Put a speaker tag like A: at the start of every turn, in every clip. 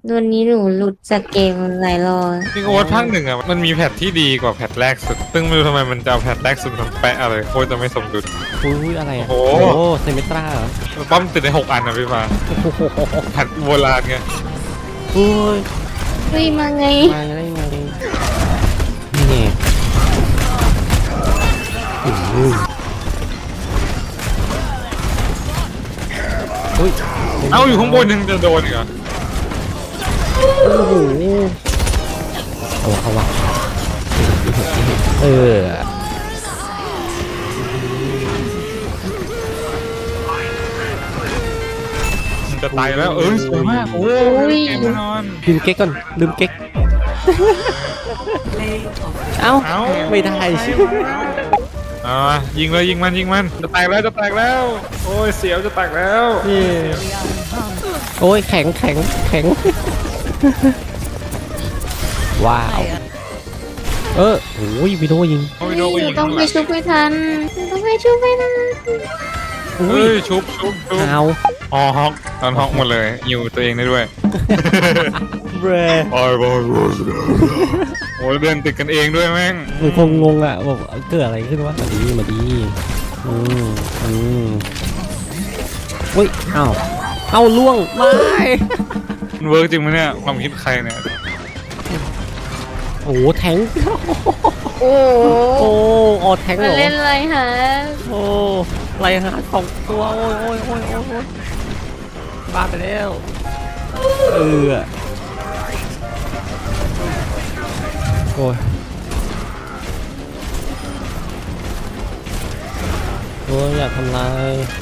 A: วันนี้หนูหลุดจากเกมหลายรอบ
B: จริงโอ๊ตภาคหนึ่งอ่ะมันมีแพทที่ดีกว่าแพทแรกสุดซึ่งไม่รู้ทำไมมันจะเอาแพทแรกสุดมาแปะอะไรโคตรจะไม่สมดุล
C: อุ้ยอะไรอ่ะ
B: โอ้
C: โอ้
B: โห
C: เซมิตราเหรอ
B: ป้อมติดได้6 อันนะพี่ฟ้า
C: โอ้โห
B: แพทโบราณไง
C: อุ้ย
A: เฮ้ยมาไง
C: มาได้ไงนี่ไงอุ้ยอุ้ย
B: เอาอยู่ข้างบนยังจะโดนอีกเหรอ
C: โอ้โหเอาวะเออ
B: มันจะตายแล้วสวยมากโอ้ยเกมแน่นอน
C: ลืมเก๊กก่อนลืมเก๊กเอ้า
B: เอ้า
C: ไม่ได้ใช่
B: เอามายิงเลยยิงมันจะแตกแล้วจะแตกแล้ว โอ้ยเสียวจะแตกแล้ว
C: โอ้ยแข็งว้าวโอ้ยวิโดยิง
B: โอ้ยโดนก็ยิง
A: ต้องไปชุบไม่ทันต้องไปชุบไม่ทัน
C: อุ้
B: เฮ้
C: ย
B: ยชุบ
C: เอา
B: อ๋อฮอกตอนฮอกหมดเลยยิวตัวเองได้ด้วย
C: เบร
B: โอ้ยเดินติดกันเองด้วยแม่ง
C: มันคงงงอ่ะแบบเกิดอะไรขึ้นวะมาดีอืมอุ้ยเอาล่วงไม่
B: มันเวิร์กจริงไหมเนี่ยความคิดใครเนี่ย
C: โอ้โหแทง
A: โอ้โห
C: โอ้ออแทงเห
A: มาร
C: อ
A: เล่นอะไรฮะ
C: โอ้ไรหา2 ตัวโอ้ยบ้าไปแล้วโอ้ยอยากทำลาย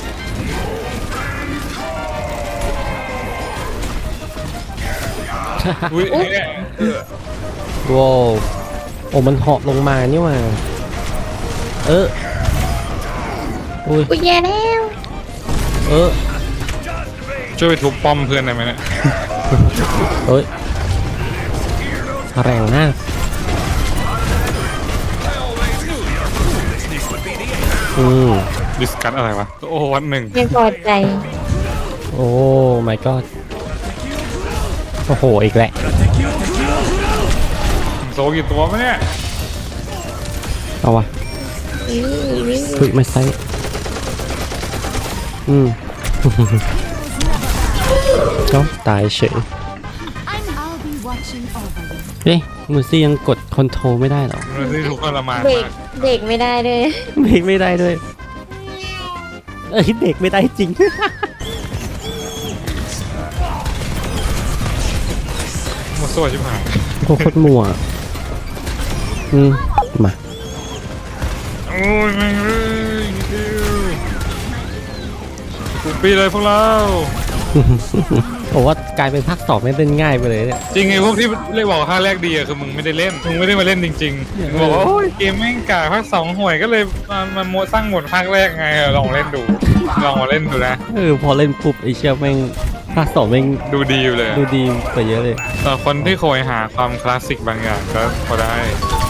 B: อุ้ยเนี่ย
C: ว้าวโอ้มันเหาะลงมานี่หว่าอุ้ย
A: กูแย่แล้ว
B: ช่วยไปทุบป้อมเพื่อนได้ไหมเนี่ย
C: แรงมาก
B: ดิสคัทอะไรวะโอ้วัดหนึ่ง
A: ยังพอใจ
C: โอ้ my god โอ้โหอีกแหละ
B: โซกี่ตัวมะเนี่ย
C: เอาวะ
A: นี่นี่
C: พึ่งไม่ใช่ก็ตายเฉย เอ๊ะมูซี่ยังกดคอนโทรลไม่ได้เหรอ
B: มันที่ทุกข์ทรมาน
A: เบรก
B: มาก
A: เบรกไม่ได้เลย
C: เบรกไม่ได้ด้วยเบรกไม่ได้จริง
B: หมดส่วนชิบหาย
C: โคตรมัวมา
B: โอ้ยแม่งเลยนิดเดียวกูปีเลยพวกเรา
C: ผมว่ากลายเป็นภาค2ไม่เป็นง่ายไปเลยเนี่ย
B: จริงไอ้พวกที่เรียกบอกว่าภาคแรกดีอะคือมึงไม่ได้เล่นมึงไม่ได้มาเล่นจริงๆมึงบอกว่าโอ้ยเกมแม่งกากภาค2ห่วยก็เลยมาโมสร้างหมดภาคแรกไงลองเล่นดูลองมาเล่นดูนะ
C: พอเล่นปุ๊บไอเชี่ยแม่งภาค2แม่ง
B: ดูดีอยู่เลย
C: ดูดีกว่าเยอะเลย
B: แต่คนที่โคยหาความคลาสสิกบางอย่างก็พอได้